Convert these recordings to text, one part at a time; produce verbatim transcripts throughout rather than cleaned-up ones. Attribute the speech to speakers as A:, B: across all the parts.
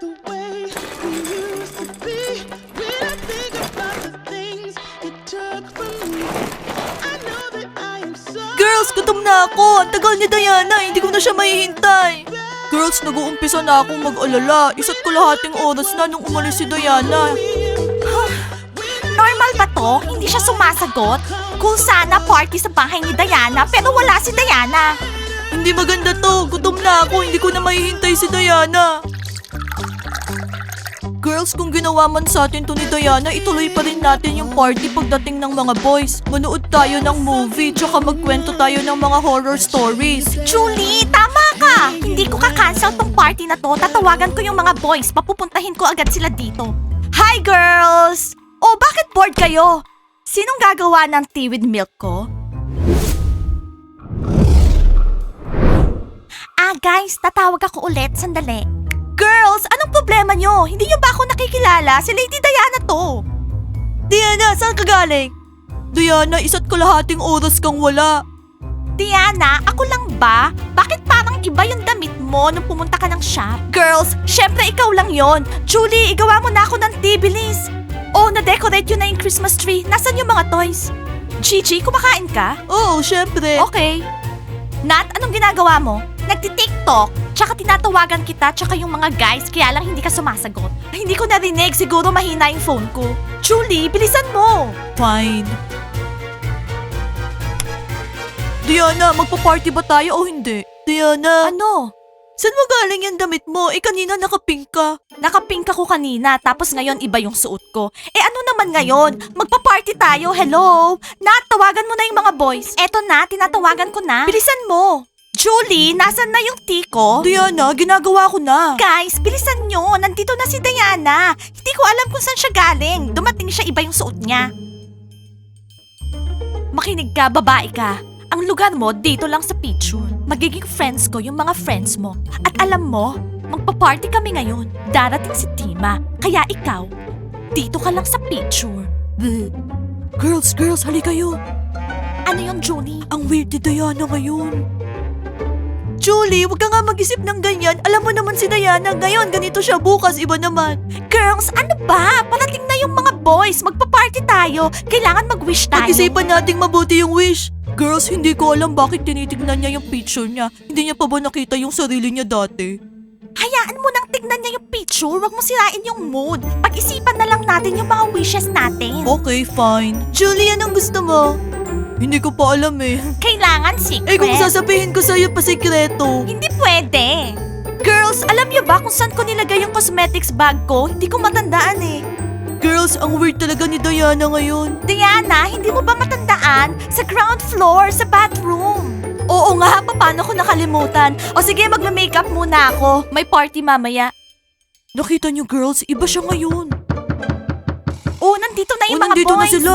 A: the way we used to be. When I think about the things you took from me, I know that I am so.
B: Girls, gutom na ako. Ang tagal ni Diana, hindi ko na siya mahihintay. Girls, nag-uumpisa na akong mag-alala. Isa't kalahating oras na nung umalis si Diana.
C: Normal ba to? Hindi siya sumasagot? Kung sana party sa bahay ni Diana pero wala si Diana.
B: Hindi maganda to. Gutom na ako. Hindi ko na mahihintay si Diana. Girls, kung ginawa man sa atin to ni Diana, ituloy pa rin natin yung party pagdating ng mga boys. Manood tayo ng movie, tsaka magkwento tayo ng mga horror stories.
C: Julie, tama ka! Hindi ko ka-cancel tong party na to. Tatawagan ko yung mga boys. Papupuntahin ko agad sila dito. Hi, girls! Oh, bakit bored kayo? Sinong gagawa ng tea with milk ko? Ah, guys, tatawag ako ulit. Sandali. Girls, anong problema nyo? Hindi nyo ba ako nakikilala? Si Lady Diana to.
B: Diana, saan ka galing? Diana, isa't kalahating oras kang wala.
C: Diana, ako lang ba? Bakit parang iba yung damit mo nung pumunta ka ng shop? Girls, syempre ikaw lang yon. Julie, igawa mo na ako ng tea, bilis. Oh, na-decorate yun na yung Christmas tree. Nasaan yung mga toys? Gigi, kumakain ka?
B: Oo, syempre.
C: Okay. Nat, anong ginagawa mo? Nagti-tiktok, tsaka tinatawagan kita, tsaka yung mga guys, kaya lang hindi ka sumasagot. Ay, hindi ko narinig, siguro mahina yung phone ko. Julie, bilisan mo!
B: Fine. Diana, magpa-party ba tayo o hindi? Diana,
C: Ano?
B: saan mo galing yung damit mo? Eh, kanina nakapink ka.
C: Nakapink ako kanina, tapos ngayon iba yung suot ko. Eh ano naman ngayon? Magpa-party tayo, hello? Nat, tawagan mo na yung mga boys. Eto na, tinatawagan ko na. Bilisan mo! Julie, nasan na yung tea ko?
B: Diana, ginagawa ko na.
C: Guys, bilisan nyo. Nandito na si Diana. Hindi ko alam kung saan siya galing. Dumating siya, iba yung suot niya. Makinig ka, babae ka. Ang lugar mo, dito lang sa picture. Magiging friends ko yung mga friends mo. At alam mo, magpa-party kami ngayon. Darating si Tima. Kaya ikaw, dito ka lang sa picture. Bleh.
B: Girls, girls, hali kayo.
C: Ano yung Julie?
B: Ang weird ni Diana ngayon. Julie, wag ka nga mag-isip ng ganyan. Alam mo naman si Diana, ngayon ganito siya, bukas iba naman.
C: Girls, ano ba? Parating na yung mga boys. Magpa-party tayo. Kailangan mag-wish tayo.
B: Pag-isipan nating mabuti yung wish. Girls, hindi ko alam bakit tinitignan niya yung picture niya. Hindi niya pa ba nakita yung sarili niya dati?
C: Hayaan mo nang tignan niya yung picture. Huwag mo sirain yung mood. Pag-isipan na lang natin yung mga wishes natin.
B: Okay, fine. Julie, anong gusto mo? Hindi ko pa alam eh.
C: Kailangan secret.
B: Eh kung sasabihin ko sa'yo pa sikreto.
C: Hindi pwede. Girls, alam niyo ba kung saan ko nilagay yung cosmetics bag ko? Hindi ko matandaan eh.
B: Girls, ang weird talaga ni Diana ngayon.
C: Diana, hindi mo ba matandaan? Sa ground floor, sa bathroom. Oo nga, paano ko nakalimutan? O sige, magme-makeup muna ako. May party mamaya.
B: Nakita niyo girls, iba siya ngayon.
C: Oh, nandito na
B: O,
C: yung mga
B: nandito
C: boys.
B: na sila.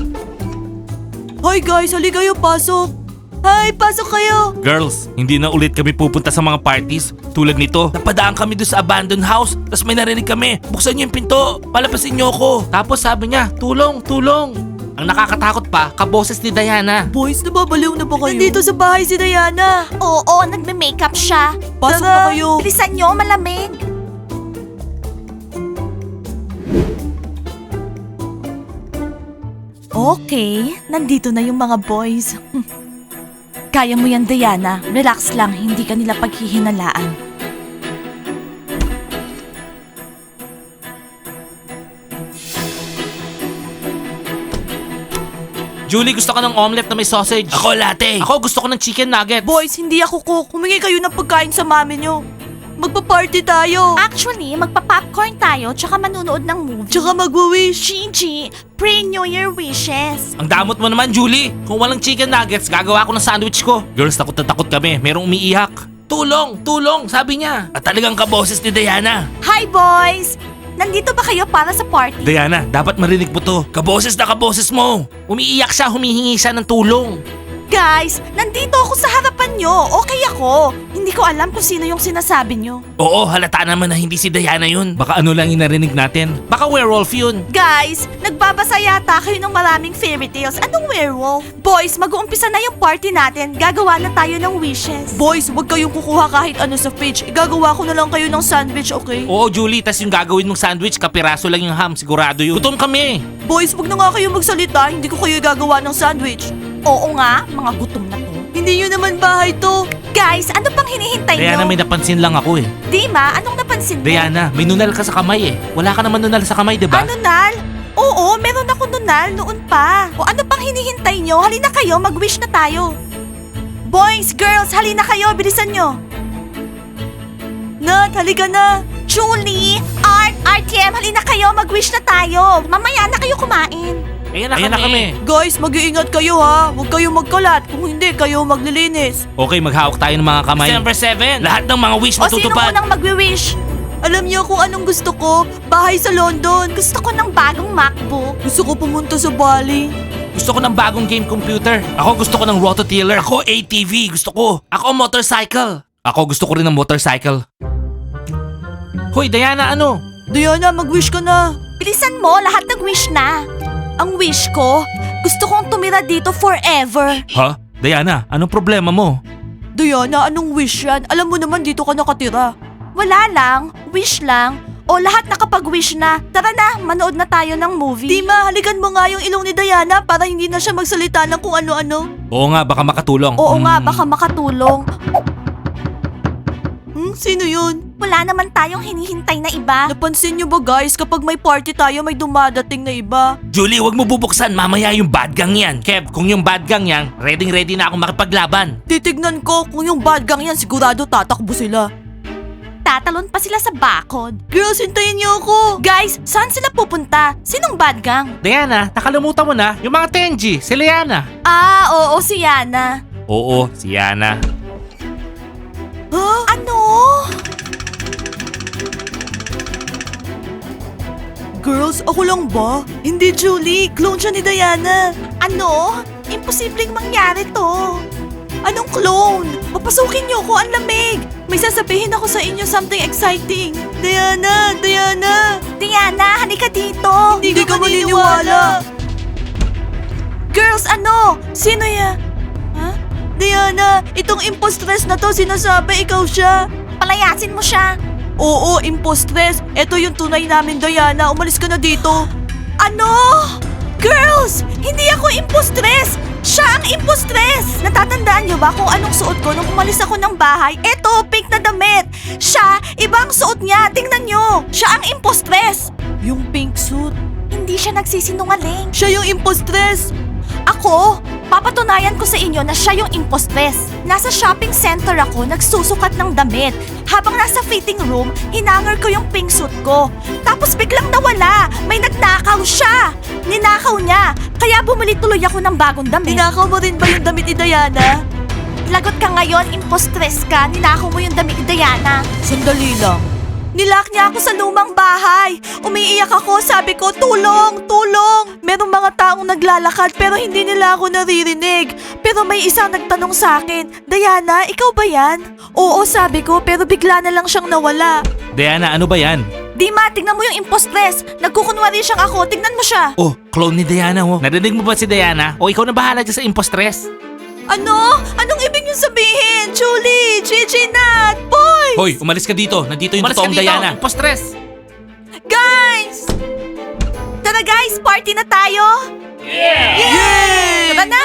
B: Hi guys, hali kayo, pasok. Hi, pasok kayo.
D: Girls, hindi na ulit kami pupunta sa mga parties. Tulad nito, napadaan kami doon sa abandoned house. Tapos may narinig kami, buksan niyo yung pinto, palapasin niyo ako. Tapos sabi niya, tulong, tulong. Ang nakakatakot pa, kaboses ni Diana.
B: Boys, nababaliw na ba kayo? Nandito sa bahay si Diana.
C: Oo, nagme-makeup siya.
B: Pasok
C: Tara,
B: na kayo.
C: Bilisan nyo, malamig. Okay, nandito na yung mga boys. Kaya mo yan, Diana. Relax lang, hindi ka nila paghihinalaan.
D: Julie, gusto ka ng omelette na may sausage? Ako, latte. Ako, gusto ko ng chicken nuggets.
B: Boys, hindi ako cook. Humingi kayo ng pagkain sa mami niyo. Magpa-party tayo.
C: Actually, magpa-popcorn tayo tsaka manunood ng movie.
B: Tsaka mag-wish.
C: Gigi, pre-New Year wishes.
D: Ang damot mo naman, Julie. Kung walang chicken nuggets, gagawa ko ng sandwich ko. Girls, takot na takot kami. Merong umiiyak. Tulong, tulong, sabi niya. At talagang kaboses ni Diana.
C: Hi, boys! Nandito ba kayo para sa party?
D: Diana, dapat marinig mo to. Kaboses na kaboses mo. Umiiyak siya, humihingi siya ng tulong.
C: Guys, nandito ako sa harapan nyo. Okay ako. Hindi ko alam kung sino yung sinasabi nyo.
D: Oo, halata naman na hindi si Diana yun. Baka ano lang yung narinig natin. Baka werewolf yun.
C: Guys, nagbabasa yata kayo ng maraming fairy tales. Anong werewolf? Boys, mag-uumpisa na yung party natin. Gagawa na tayo ng wishes.
B: Boys, huwag kayong kukuha kahit ano sa fridge. Igagawa ko na lang kayo ng sandwich, okay?
D: Oo, Julie, tas yung gagawin mong sandwich, kapiraso lang yung ham. Sigurado yun. Gutom kami.
B: Boys, wag na nga kayo magsalita. Hindi ko kayo gagawa ng sandwich.
C: Oo nga, mga gutom na to.
B: Hindi yun naman bahay to.
C: Guys, ano pang hinihintay
D: Diana,
C: nyo?
D: may napansin lang ako eh.
C: Dima, anong napansin mo?
D: Diana, may nunal ka sa kamay eh. Wala ka naman nunal sa kamay, di ba?
C: Ano, Nal? Oo, meron ako nunal noon pa. O ano pang hinihintay nyo? Halina kayo, mag-wish na tayo. Boys, girls, halina kayo, bilisan nyo.
B: Nat, halika na.
C: Julie, Art, R T M, halina kayo, mag-wish na tayo. Mamaya na kayo kumain.
D: Ayan na, Ayan na kami.
B: Guys, mag-iingat kayo ha. Huwag kayong magkalat. Kung hindi, kayo maglilinis.
D: Okay, maghawak tayo ng mga kamay. December seventh. Lahat ng mga wish
C: O sino
D: matutupad.
C: munang magwi-wish?
B: Alam niyo kung anong gusto ko? Bahay sa London.
C: Gusto ko ng bagong MacBook.
B: Gusto ko pumunta sa Bali.
D: Gusto ko ng bagong game computer. Ako gusto ko ng rototiller. Ako A T V. Gusto ko. Ako motorcycle. Ako gusto ko rin ng motorcycle. Hoy, Diana, ano?
B: Diana, mag-wish ka na.
C: Bilisan mo, lahat nag-wish na. Ang wish ko, gusto kong tumira dito forever.
D: Ha? Diana, anong problema mo?
B: Diana, anong wish yan? Alam mo naman dito ka nakatira.
C: Wala lang, wish lang. O lahat nakapag-wish na. Tara na, manood na tayo ng movie.
B: Dima, halikan mo nga yung ilong ni Diana para hindi na siya magsalita ng kung ano-ano.
D: Oo nga, baka makatulong.
C: Oo nga,
D: Hmm.
C: baka makatulong.
B: Hmm, sino yun?
C: Wala naman tayong hinihintay na iba.
B: Napansin niyo ba guys, kapag may party tayo may dumadating na iba?
D: Julie, wag mo bubuksan. Mamaya yung bad gang yan. Kev, kung yung bad gang yan, ready-ready na ako makipaglaban.
B: Titignan ko kung yung bad gang yan sigurado tatakbo sila.
C: Tatalon pa sila sa bakod.
B: Girls, hintayin niyo ako.
C: Guys, saan sila pupunta? Sinong bad gang?
D: Diana, nakalimutan mo na yung mga Tenji, si Liana.
C: Ah, oo, si Yana.
D: Oo, si Yana.
B: Ha?
C: Ano?
B: Girls, ako lang ba? Hindi, Julie. Clone siya ni Diana.
C: Ano? Imposibleng mangyari to.
B: Anong clone? Papasukin niyo ako, ang lamig. May sasabihin ako sa inyo something exciting. Diana, Diana.
C: Diana, halika dito.
B: Hindi ka maniniwala.
C: Girls, ano? Sino ya?
B: Ha? Diana, itong impostress na to, sinasabi ikaw siya.
C: Palayasin mo siya.
B: Oo, impostress. Ito yung tunay namin, Diana. Umalis ka na dito.
C: Ano? Girls, hindi ako impostress. Siya ang impostress. Natatandaan niyo ba kung anong suot ko nung umalis ako ng bahay? Eto, pink na damit. Siya, ibang suot niya. Tingnan niyo. Siya ang impostress.
B: Yung pink suit.
C: Hindi siya nagsisinungaling.
B: Siya yung impostress.
C: Ako, papatunayan ko sa inyo na siya yung impostress. Nasa shopping center ako, nagsusukat ng damit. Habang nasa fitting room, hinangar ko yung pink suit ko. Tapos biglang nawala. May nagnakaw siya. Ninakaw niya. Kaya bumili tuloy ako ng bagong damit.
B: Tinakaw mo rin ba yung damit ni Diana?
C: Lagot ka ngayon, impostress ka. Ninakaw mo yung damit ni Diana.
B: Sandali lang.
C: Nilak niya ako sa lumang bahay. Umiiyak ako, sabi ko, tulong, tulong.
B: Merong mga taong naglalakad pero hindi nila ako naririnig. Pero may isang nagtanong sa akin, Diana, ikaw ba yan? Oo, sabi ko, pero bigla na lang siyang nawala.
D: Diana, ano ba yan?
C: Dima, tignan mo yung impostress. Nagkukunwari siyang ako, tignan mo siya.
D: Oh, clone ni Diana oh. Narinig mo ba si Diana? O ikaw na bahala dyan sa impostress?
B: Ano? Anong ibig niyo sabihin? Julie, Gigi, Nat, boys!
D: Hoy, umalis ka dito. Nandito yung totoong Diana. Impostress!
C: Guys! Tara guys, party na tayo.
B: Yay!
C: Tara na.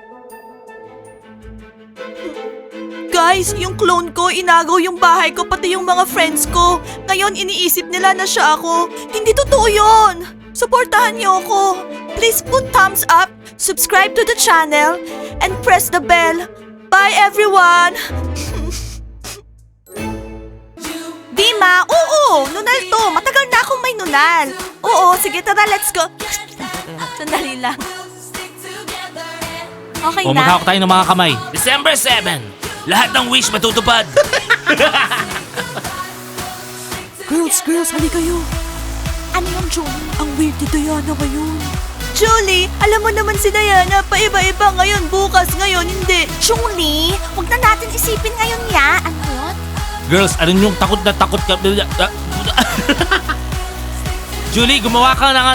B: Guys, yung clone ko, inagaw yung bahay ko, pati yung mga friends ko. Ngayon, iniisip nila na siya ako. Hindi totoo yun! Suportahan niyo ako. Please put thumbs up, subscribe to the channel, and press the bell. Bye, everyone!
C: Dima, oo, nunal to. Matagal na akong may nunal. Oo, sige tara, let's go. Sandali lang. Okay
D: O
C: na.
D: maghawak tayo ng mga kamay. December seventh. Lahat ng wish matutupad.
B: Girls, girls, hali kayo.
C: Ano yung Julie?
B: Ang weird ni Diana ngayon. Julie, alam mo naman si Diana, paiba-iba ngayon, bukas, ngayon, hindi.
C: Julie, huwag na natin isipin ngayon ya. Ano yun?
D: Girls, ano yung takot na takot ka? Julie, gumawa ka na nga.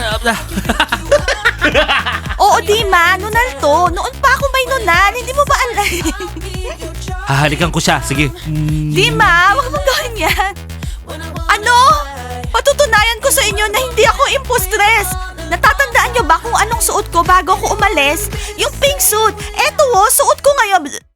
C: Oo, Dima, nunal to. Noon pa ako may nunal. Hindi mo ba alam?
D: Hahalikan ko siya, sige.
C: Dima, huwag mong gawin yan. Ano? Patutunayan ko sa inyo na hindi ako impostress. Natatandaan niyo ba kung anong suot ko bago ako umalis? Yung pink suit. Eto oh, suot ko ngayon.